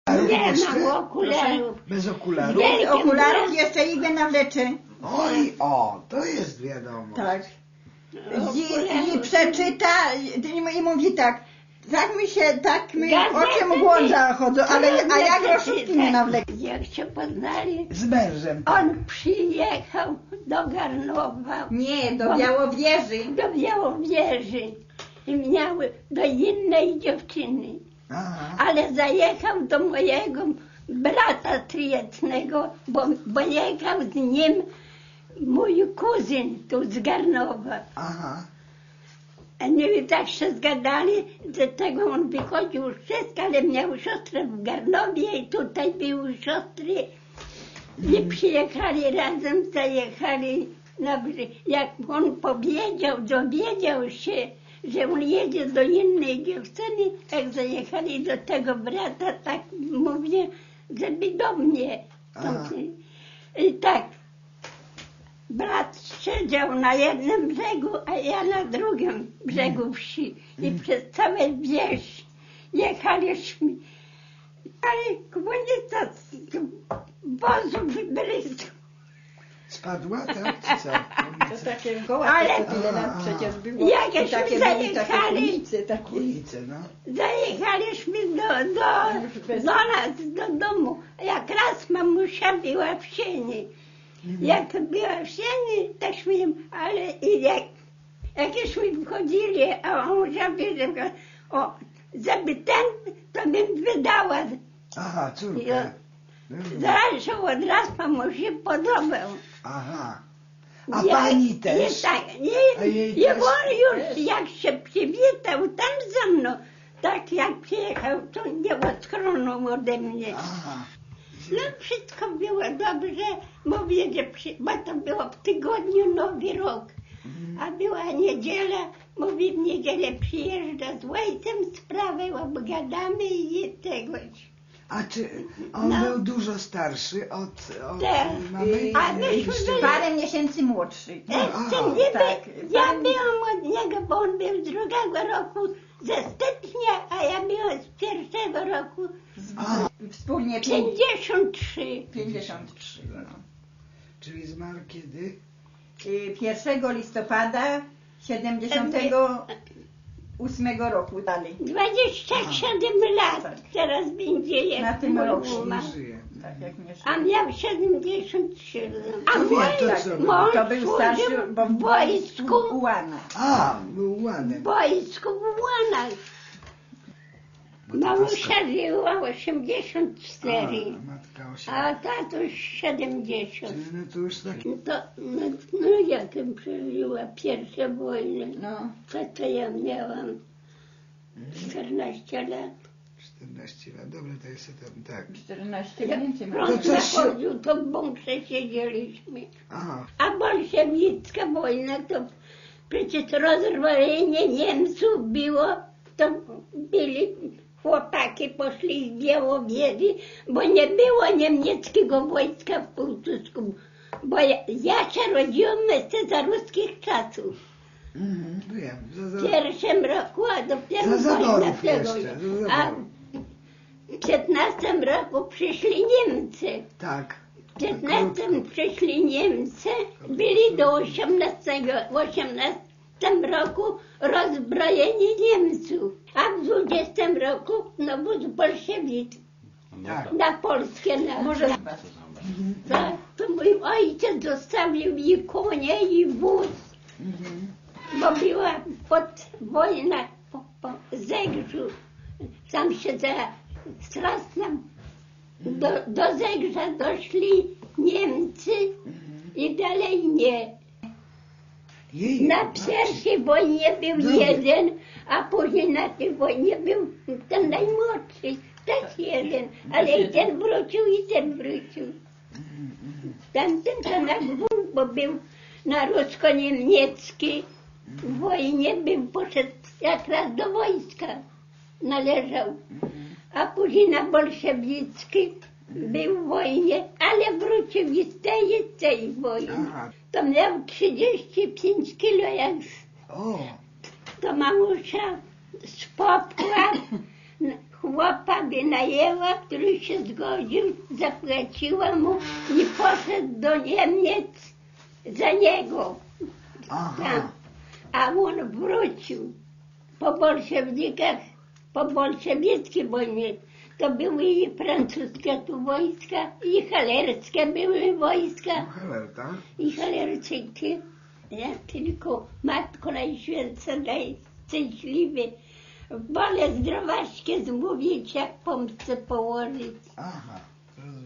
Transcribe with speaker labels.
Speaker 1: Nie
Speaker 2: jeszcze?
Speaker 1: mam okularów.
Speaker 2: Bez okularów?
Speaker 1: Wielkie
Speaker 3: Okularów jeszcze igłę nawleczy.
Speaker 2: Oj, o, to jest wiadomo.
Speaker 3: Tak.
Speaker 1: Okularów.
Speaker 3: I przeczyta i mówi tak mi się,
Speaker 1: Gazety
Speaker 3: oczy mgłą zachodzą, a ja groszówki nie
Speaker 1: przeczytać.
Speaker 3: nawlekam.
Speaker 1: Jak się poznali,
Speaker 2: Z mężem.
Speaker 1: on przyjechał do Garnowa,
Speaker 3: Nie, do Białowieży.
Speaker 1: do Białowieży i miał do innej dziewczyny.
Speaker 2: Aha.
Speaker 1: Ale zajechał do mojego brata tryjetnego, bo jechał z nim mój kuzyn tu z Garnowa.
Speaker 2: Aha.
Speaker 1: A nie tak się zgadali, że tego on wychodził wszystko, ale miał siostrę w Garnowie i tutaj były siostry. I przyjechali razem, zajechali na brzeg. Jak on dowiedział się, że on jedzie do innej dziewczyny, jak zajechali do tego brata, tak mówię, żeby do mnie.
Speaker 2: Aha.
Speaker 1: I tak, brat siedział na jednym brzegu, a ja na drugim brzegu wsi. I przez całe wieś jechaliśmy. Ale komunica z wozów byli.
Speaker 2: Spadła, tak? Czy co?
Speaker 3: To takie goła,
Speaker 1: Ale-
Speaker 3: tyle lat przecież było.
Speaker 1: Jakieś
Speaker 3: I takie
Speaker 1: mi
Speaker 3: byli, takie
Speaker 1: zajechali.
Speaker 3: ulice, takie.
Speaker 2: Ulice, no.
Speaker 1: Zajechaliśmy do nas, do domu. Jak raz mamusia była w sieni. Jak była w sieni, tośmy, ale i jakieśmy wchodzili, a on żeby, żeby ten, to bym wydała.
Speaker 2: Aha, córka.
Speaker 1: Ja-
Speaker 2: No,
Speaker 1: Zaraz się od razu mamusi podobał.
Speaker 2: aha. A pani też?
Speaker 1: Tak,
Speaker 2: A jej
Speaker 1: i
Speaker 2: też?
Speaker 1: on już jak się przywitał tam ze mną, tak jak przyjechał, to nie odchronął ode mnie.
Speaker 2: Aha.
Speaker 1: No wszystko było dobrze, mówię, że bo to było w tygodniu Nowy Rok, a była niedziela, mówi w niedzielę przyjeżdża z ojcem, sprawę obgadamy i tegoś.
Speaker 2: A czy on
Speaker 1: No.
Speaker 2: był dużo starszy od
Speaker 1: Tak.
Speaker 2: mamy?
Speaker 1: A myśmy byli,
Speaker 3: Parę miesięcy młodszy.
Speaker 1: jeszcze nie
Speaker 3: tak.
Speaker 1: ja byłam od niego, bo on był z drugiego roku ze stycznia, a ja byłam z pierwszego roku
Speaker 2: A,
Speaker 3: Wspólnie
Speaker 1: 53.
Speaker 3: 53. No.
Speaker 2: czyli zmarł kiedy?
Speaker 3: 1 listopada 78 roku dalej.
Speaker 1: 27 lat teraz będzie jak
Speaker 3: Na tym
Speaker 1: mój
Speaker 3: roku
Speaker 1: umarł.
Speaker 2: Nie żyje.
Speaker 3: Tak jak nie
Speaker 1: A miał 73 lat. A
Speaker 2: To wie, to co był?
Speaker 1: mąż
Speaker 3: To był starszy,
Speaker 1: służył
Speaker 3: bo
Speaker 1: w wojsku,
Speaker 3: u Łana.
Speaker 2: A, był
Speaker 1: w
Speaker 2: ładny.
Speaker 1: wojsku w Łanach. Mamusia żyła 84,
Speaker 2: Matka 8.
Speaker 1: a tatuś 70.
Speaker 2: Czyli no to już tak.
Speaker 1: No jakem przeżyła pierwsze wojny,
Speaker 3: No.
Speaker 1: to ja miałam 14 lat.
Speaker 2: 14 lat. Dobra, to jest tam tak.
Speaker 3: 14
Speaker 1: Jak
Speaker 3: więcej.
Speaker 2: To
Speaker 1: prąd
Speaker 2: coś się-
Speaker 1: zachodził, to w bunkrze siedzieliśmy.
Speaker 2: Aha.
Speaker 1: A bolszewicka wojna to przecież rozwalenie Niemców było, to byli chłopaki, poszli z Białowieży, bo nie było niemieckiego wojska w Półtusku. Bo ja się rodziłam jeszcze za ruskich czasów.
Speaker 2: Wiem.
Speaker 1: W pierwszym roku, a dopiero
Speaker 2: Za
Speaker 1: wojna
Speaker 2: zaborów
Speaker 1: tego.
Speaker 2: jeszcze, za zaborów.
Speaker 1: A w 15 roku przyszli Niemcy.
Speaker 2: Tak.
Speaker 1: W 15 przyszli Niemcy, byli do 18 roku rozbrojeni Niemców, a w 20 roku nawóz bolszewicki
Speaker 2: Tak.
Speaker 1: na Polskę.
Speaker 3: Może
Speaker 1: Tak, to mój ojciec zostawił i konie, i wóz, bo była wojna po Zegrzu. Tam się za Strasnem do Zegrza doszli Niemcy i dalej nie.
Speaker 2: Jej,
Speaker 1: Na pierwszej wojnie był
Speaker 2: Dobra.
Speaker 1: jeden, a później na tej wojnie był ten najmłodszy, też jeden, ale i ten wrócił, i ten wrócił. Tamten to na gwół, bo był na rusko-niemiecki w wojnie, poszedł jak raz do wojska, należał. A później na bolszewicki był w wojnie, ale wrócił i z tej wojny.
Speaker 2: Aha.
Speaker 1: To miał 35 kilo, jak
Speaker 2: O,
Speaker 1: to mamusia z popła chłopa wynajęła, który się zgodził, zapłaciła mu i poszedł do Niemiec za niego.
Speaker 2: Aha.
Speaker 1: Tam. A on wrócił po bolszewikach, po bolszewickiej wojnie. To były i francuskie tu wojska, i halerskie były wojska,
Speaker 2: Halerta.
Speaker 1: i halerczyki. Ja tylko Matko Najświętsza daj szczęśliwy. Wolę zdrowaśkie zmówić, jak pomstę położyć.
Speaker 2: Aha, rozumiem.